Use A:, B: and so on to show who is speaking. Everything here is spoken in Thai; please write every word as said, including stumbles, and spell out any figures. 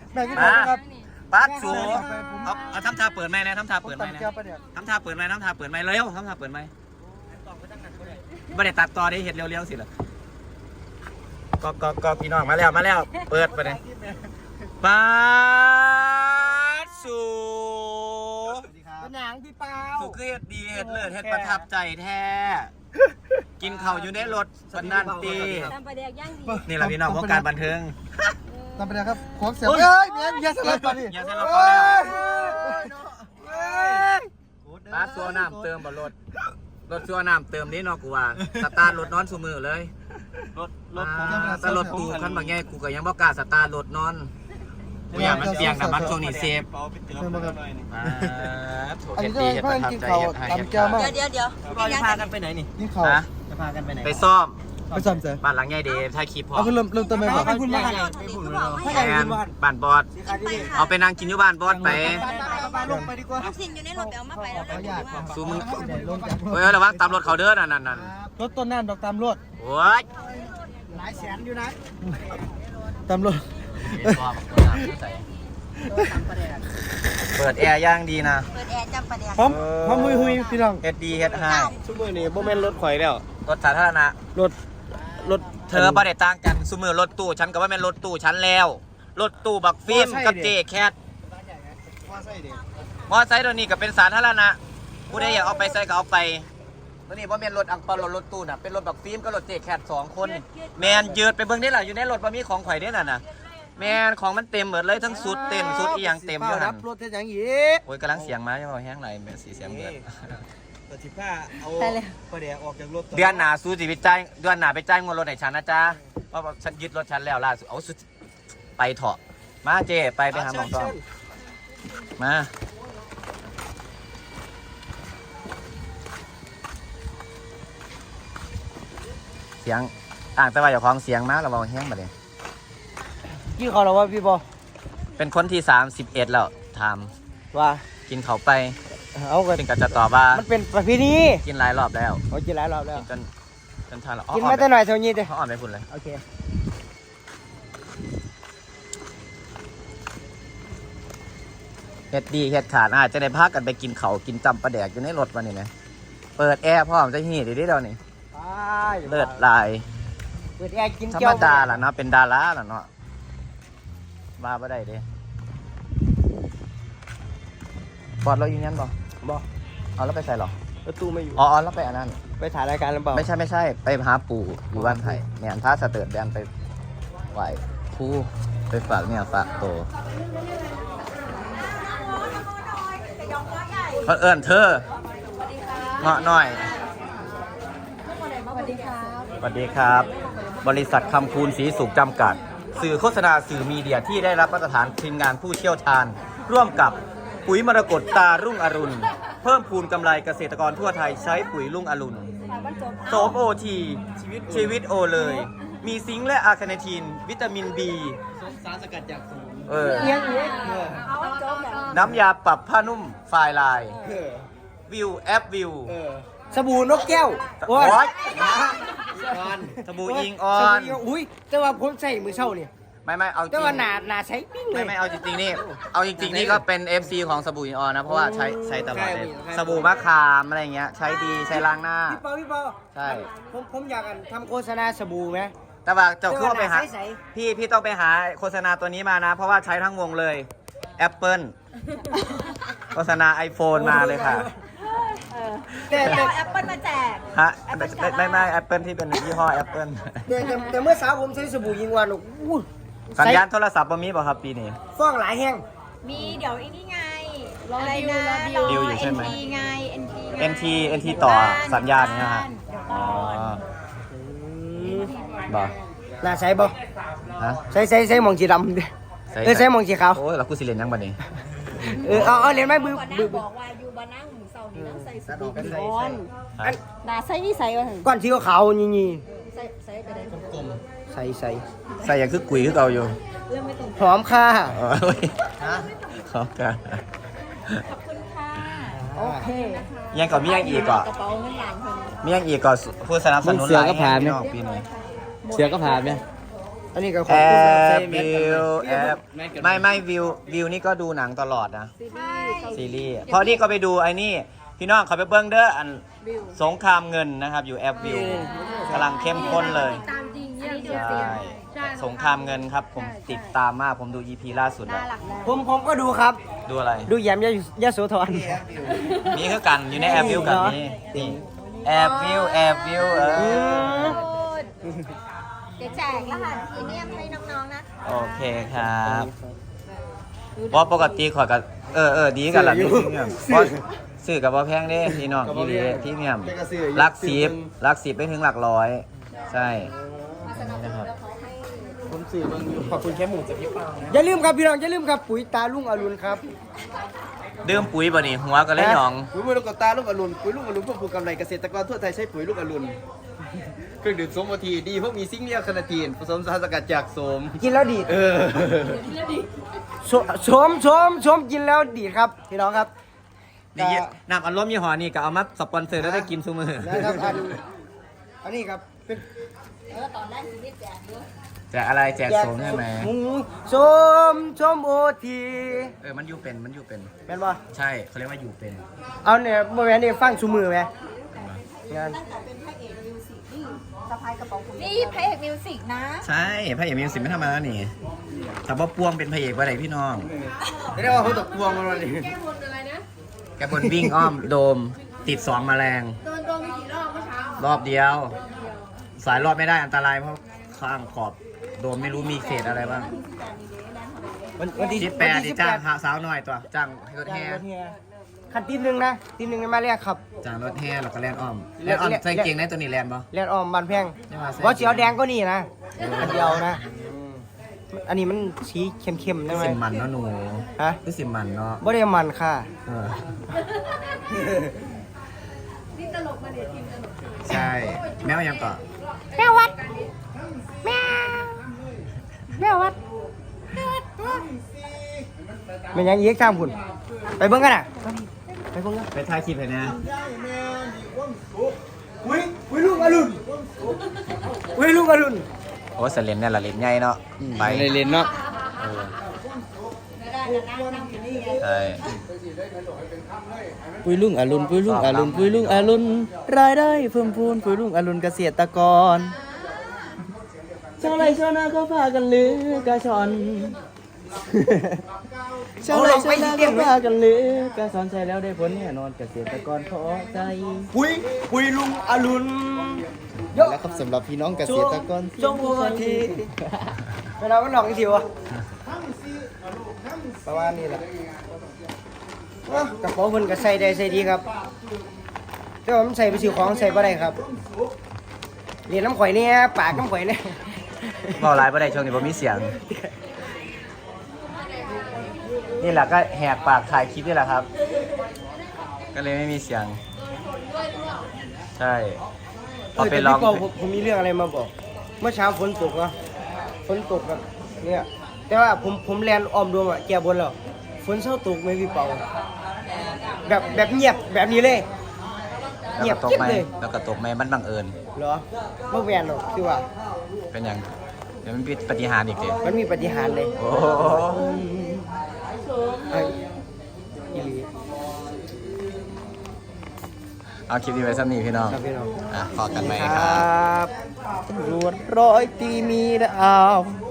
A: แม่กินข้าวครับ
B: ปัดสูเอาเอาทำท่าเปิดไหมนะทำท่าเปิดไหมนะทำท่าเปิดไหมทำท่าเปิดไหมเร็วทำท่าเปิดไหมไม่ได้ตัดต่อได้เห็ดเร็วๆสิล่ะก็ก็ก็พี่น้องมาแล้วมาแล้วเปิดไปเลยปัดสู
A: เป็นหนังพี่เปา
B: สูคือเห็ดดีเห็ดเลิศเห็ดประทับใจแท้กินข้าวอยู่ในรถวันนั้นตีนี่แหละพี่น้องของการบันเทิง
A: ตามไปเลยครับของเสียงเฮ้ยเนี่ยยาสลับมาดิ
B: ยาสลับมาแล้วร้านซัวน้ำเติมบ่รถรถซัวน้ำเติมนี่นอกกูว่าสตาร์ทรถนอนสูมือเลยรถรถแต่รถตูขั้นบางแง่กูก็ยังบ่กล้าสตาร์ทรถนอนกูอยากมันเปียกแต่มันช่วงนี้เซฟ
A: อันนี้ก็เพื่อนกินข้าวตำแก้วมาก
C: เดี๋ยวเดี๋ยว
B: เราจะพากันไปไหนนี่
A: กินข้าว
B: จะพากันไปไหนไปซ่อม
A: ไปซ่อมเสร็จ
B: บ้านหลังใหญ่เดฟถ่ายคลิปพอ
A: เอาคือเริ่มเริ่มต้นไหมครับ
C: ให้คุณบ้าน
B: แอนบ้านบอสเอาไปนั่งกินอยู่บ้านบอสไป
A: ลงไปดีกว่า
C: สิ่งอยู่ในรถเดี๋ยวมาไปแล้ว
B: ซูมึงเฮ้ยระวังตามรถเขาเด้อนั่นนั่นนั่น
A: รถต้นน้ำดอกตามรถ
B: โอ้ย
A: หลายแสนอยู่นะตามรถเปิดแอร์ย่างดีนะ
C: เปิดแอร์จำประเดี๋ยว
A: พร้อมพร้อมหุยหุยพี่น้อง
B: เฮ็ดดีเฮ็ดไฮ
A: ซุมือนี่โมเมนต์รถข่อยแล้ว
B: รถสาธารณะ
A: รถรถ
B: เธอประเด็ต่างกันซุมือรถตู้ฉันก็ว่าเป็นรถตู้ฉันแล้วรถตู้บักฟิล์มกับเจแคทมอไซค์ตัวนี้ก็เป็นสาธารณะผู้ใดอยากเอาไปใส่ก็เอาไปตัวนี้ว่าเป็นรถอังเปารถรถตู้น่ะเป็นรถบักฟิล์มกับรถเจแคทสองคนแมนยืดไปเบิ่งได้หรออยู่ในรถมันมีของข่อยได้น่ะนะแมนของมันเต็มหมดเลยทั้งสุดเต็มสุดอีหยังเต็มอยู่นั่น
A: รถเท่ยังอี
B: โอ้ยกำลังเสียงมาใช่ไหมแห้งไหลแบบสีเสียงเดือด
A: ตัดสิบห้าเอาประเดี๋ยวออกจากรถ
B: เดือนหนาสู้จีไปจ่ายเดือนหนาไปจ่ายเงินรถไหนฉันนะจ๊ะเพราะฉันยึดรถฉันแล้วล่าสุดเอาสุดไปเถอะมาเจไปไปหาหมอต่อมาเสียงต่างแต่ว่าอย่าคล้องเสียงมากเราเบาแห้งมาเลย
A: ยี่เขาเราว่าพี่บอ
B: เป็นคนที่สามสิบเอ็ดแล้วท
A: ำว่า
B: กินเขาไป
A: เอากัน
B: เป็นกระจะตอบว่า
A: มันเป็นประเพณี
B: กินหลายรอบแล้ว
A: โอ้กินหลายรอบแล้ว
B: จนจนทานแล้ว
A: กินมาแต่หน่อยเท่านี้เด้
B: เขาอ่อนไปพุ่นเลย
A: โอเค
B: เฮ็ดดีเฮ็ดขาดอาจจะได้พากันไปกินเขากินจำปลาแดกอยู่ในรถวันนี้นะเปิดแอร์พร้อมจะหีดดีๆเดี๋ยวนี้เลือดลาย
A: เปิดแอร์กิน
B: ธรรมดาล่ะเนาะเป็นดาราล่ะเนาะมาบ่ได้เด้บอดเราอยู่ยันบ่
A: บ่
B: เอาแล้วไปใส่หรอ
A: ประตูไม่อยู่
B: อ๋อแล้วไปอันนั้น
A: ไปถ่ายรายการหรือเปล่า
B: ไม่ใช่ไม่ใช่ไปหาปู่อยู่บ้านไผ่เนี่ยถ้าสเติร์ดแดนไปไหวผู้ไปฝากเนี่ยฝากโตเขาเอิ้นเธอเงาะหน่อย
C: สวัสดีครับ
B: สวัสดีครับบริษัทคำคูณศรีสุขจำกัดสื่อโฆษณาสื่อมีเดียที่ได้รับมาตรฐานทีมงานผู้เชี่ยวชาญร่วมกับปุ๋ยมรกตตารุ่งอรุณเพิ่มพูนกำไรเกษตรกรทั่วไทยใช้ปุ๋ยรุ่งอรุณโสมโอทีชีวิตโอเลยมีซิงค์และอาร์คาเนทีนวิตามินบี
A: สารสกัดจากสมุน
B: เออน้ำยาปรับผ้านุ่มไฟลายวิวแอปวิว
A: สบู่นกแก้ว
B: โอ้ยสบู่อิงออน
A: อุ้ยแต่ว่าผมใส่มือเช่าเนี่ย
B: ไม่ไม่เอาจริง
A: แต่ว่าหนาหนาใช้ปิ้งเลย
B: ไม่ไม่เอาจริงๆนี่เอาจริงๆนี่ก็เป็น เอฟ ซี ของสบู่อิงออนนะเพราะว่าใช้ใช้ตลอดเลยสบู่มะขามอะไรเงี้ยใช้ดีใช้ล้างหน้า
A: พี่เปาพี่เปา
B: ใช่
A: ผมผมอยากทำโฆษณาสบู่ไหม
B: แต่ว่าเจ้าคือไปหาพี่พี่ต้องไปหาโฆษณาตัวนี้มานะเพราะว่าใช้ทั้งวงเลย Apple โฆษณา iPhone มาเลยค่ะ
C: แต่แต่แอปเปิลมาแจก
B: ฮะไม่ไม่แอปเปิลที่เป็นยี่ห้อแอปเปิล
A: แต่แต่เมื่อสาวผมใช้สบู่ยิงวันอู้
B: สัญญาณโทรศัพท์บ่มีป่ะครับปีนี้
A: ฟ้องหลายแห้ง
C: มีเดี๋ยวอีนี่ไงรอดิวรอดิ
B: วอยู่ใช่ไหม
C: เอ็น ที ไง เอ็น ที
B: เอ็น ที เอ็น ที ต่อสัญญาณเนี่ยฮะอ๋อบ่
A: น่าใช้บ่
B: ฮะ
A: ใช้ใช้ใช้มองสีดำดิเออใช้มองสีขาว
B: โอ้ยเรากูสิเล่นยังบัดนี้
A: เออเอาเอาเล่นไหมบือบือ
C: บอกว่าอยู่บ้านนั่งหมูเสานี่นั่งใส่สบู่ก่อนน่าใส่นี่ใส่ก่อน
A: ก่อนที่เขาขาวนี่นี่
C: ใส่ใส่ไปได้กลม
A: ใส่ใส่
B: ใส่อย่างคือกุ๋ยคือเก่าอยู่
A: หอมค่ะ
B: หอมค่ะ
C: ขอบคุณค่ะโอเค
B: ยังก่อนมียังอีกก่อน
C: กระเป๋าเงินหลานคน
B: มียังอีกก่อนผู้สนับสนุนหลายปีนี้
A: เสือก็ผ่านไหมอันนี้ก็ข
B: แอ
A: อบคุณครับ
B: บวิวแอบไม่ไม่วิววิวนี่ก็ดูหนังตลอดนะ
C: ซีรีส์เกาหลี
B: ซีรีส์เพราะนี่ก็ไปดูไอ้นี่พี่น้องเขาไปเบิ้งเด้ออัน
C: วิว
B: สงครามเงินนะครับอยู่แอปวิวกำลังเข้มข้นเลย
C: ตามจริงเนี่ย
B: ใช่สงครามเงินครับผมติดตามมากผมดู อี พี ล่าสุดแล้ว
C: น่ารักแล้ว
A: ผมผมก็ดูครับ
B: ดูอะไร
A: ดูแยมยะยะโสธร
B: มีคือกันอยู่ในแอปวิวกันนี่นี่แอปวิวแอปวิวเออ
C: เดี๋ยวแจกรหัสพรีเมียมให้น้องๆนะ
B: โอเคครับเพราะปกติขอยกับเออเออดีกันล่ะพี่เมียมเพราะซื้อกับว่าแพงเด้พี่น้องพี่ดีพี่เมียมหลักสิบหลักสิบไปถึงหลักร้อยใช่นะครับ
A: ผมสื่อมึงอยู่ขอบคุณแค่หมูจากพี่ปางอย่าลืมครับพี่น้องอย่าลืมครับปุ๋ยตาลุงอรุณครับ
B: ดื่มปุ๋ยบ่นี่หัวก็เลยหยอง
A: ปุ๋ยลูกกตาลุงอรุณปุ๋ยลุงอรุณเพื่อปลูกกำไรเกษตรกรทั่วไทยใช้ปุ๋ยลูกอรุณเครื่องดื่มโสมโอทีดีเพราะมีซิงค์เนียคานาทีนผสมสารสกัดจากโสมกินแล้วดีเออโสมโสมโสมกินแล้วดีครับพี่น้องครับ
B: นี่น้ำอัดลมยี่ห้อนี่ก็เอามาสปอนเซอร์แล้วได้กินซุมือ
A: นะครับอันอันนี้ครับเป็น
C: เออตอนแรกซีรีส์แจกด้วย
B: แจกอะไรแจกสมใช่ไหม
A: หมูโสมโสมโอที
B: เออมันอยู่เป็นมันอยู่เป็น
A: เป็นป่ะ
B: ใช่เขาเรียกว่าอยู่เป็น
A: เอาเนี่ยเมื่อวานนี่ฟังชูมือไหมงาน
C: ตั้งแต่เป็นพระเอกมิวสิกนี่สะพายกระเป๋าคุณนี่พระเอกมิวสิกนะ
B: ใช่พระเอกมีสิบไม่ธรรมดานี่แต่ว่าปวงเป็นพระเอกว่าไรพี่น้อง
A: เรียกว่าเขาตกพวงมาเลย
B: แกบนวิ่งอ้อมโดมติดสองแมลง
C: โดนโดนไปกี่รอบเมื่อเช้าร
B: อบเดียว สายรอบไม่ได้อันตรายเพราะข้างขอบโดมไม่รู้มีเศษอะไรบ้าง
A: วันที่
B: สิบแปดที่จ้างหาสาวหน่อยตัวจ้างรถแห่
A: คันตีหนึ่งนะตีหนึ่งมาเรียกครับ
B: จ้างรถแห่แล้วก็แลนอ้อมแลนอ้อมใส่เกงในตัวนี้แลนปะ
A: เรียกออมบันแพง
B: ไม่ว่าใส่
A: ว่าเจียวแดงก็นี่นะอันเดียวนะอันนี้มันสีเข้มๆ
B: คื
A: ได้
B: อ
A: ไหม
B: สิมมันเนาะหนู
A: ฮะ
B: คือสิมมันเนาะ
A: บ่ได้มันค่ะ
B: เออ
C: นี่ตลกมาเดี๋ยวทีมตลก
B: ใช่แมวยังต่อ
C: แม่วัดแม่แม่วัด
A: มันยังยีกทางพุ่นไปเบิ่งกันน่ะไปเบิ่งกัน
B: ไปถ่ายคลิปเลยนะ
A: อุ้ยอุ้ยลูกอรุณอุ้ยลูกอรุณ
B: โอ้เสเลนเนี่ยละเลนใหญ่เนาะไป
A: เล่นเนาะ
B: เออใช่
A: ปุยลุงอรุณปุยลุงอรุณปุยลุงอรุณรายได้เพิ่มพูนปุยลุงอรุณเกษตรกรชาวไร่ชาวนาเขาพากันลือกระชอนชาวไร่ชาวนาเขาพากันลือกระชอนใช้แล้วได้ผลแน่นอนเกษตรกรพอใจปุยปุยลุงอรุณแล้วครับสำหรับพี่น้องเกษตรกรจงหัวทีเวลามันหลอกอีกทีวะประมาณนี้แหละกระเป๋าเพิ่นก็ใส่ได้ใส่ดีครับแต่ว่ามันใส่ไปซื้อของใส่บ่ได้ครับเรียนน้ำข่อยเนี่ยปากน้ำข่อยเนี่ย
B: เมาไลฟ์บ่ได้ช่วงนี้บ่มีเสียง นี่แหละก็แหกปากถ่ายคลิปนี่แหละครับ ก็เลยไม่มีเสียง ใช่พอไปลอง
A: แต่พี่เปาผมผมมีเรื่องอะไรมาบอก เมื่อเช้าฝนตกเนาะฝนตกแบบเนี่ยแต่ว่าผมผมแลนออมดวงอะแก่บนแล้วฝนเช้าตกไหมพี่เปาแบบแบบเงียบแบบนี้เลย
B: แล้ว
A: เงีย
B: ก็
A: บ
B: ตก
A: กิ๊บ
B: ไหม
A: เลย
B: แล้วก็ตกไหมมันบังเอิญ
A: เหรอไม่แวนหรอกคือว่า
B: เป็นอย่างเดี๋ยวมันเป็นปฏิหารย์อีกเดี๋ยว
A: มันมีปฏิหารย์เลย
B: โอ้
A: ไอ้อีหลี
B: เอาคลิปนี้ไว้สักนี้พี่น้อง
A: ครับพี่น้อง
B: อ่ะพอกันไหม
A: ค
B: ค
A: ร
B: รับ
A: ับตำรวจร้อยตีมีดาว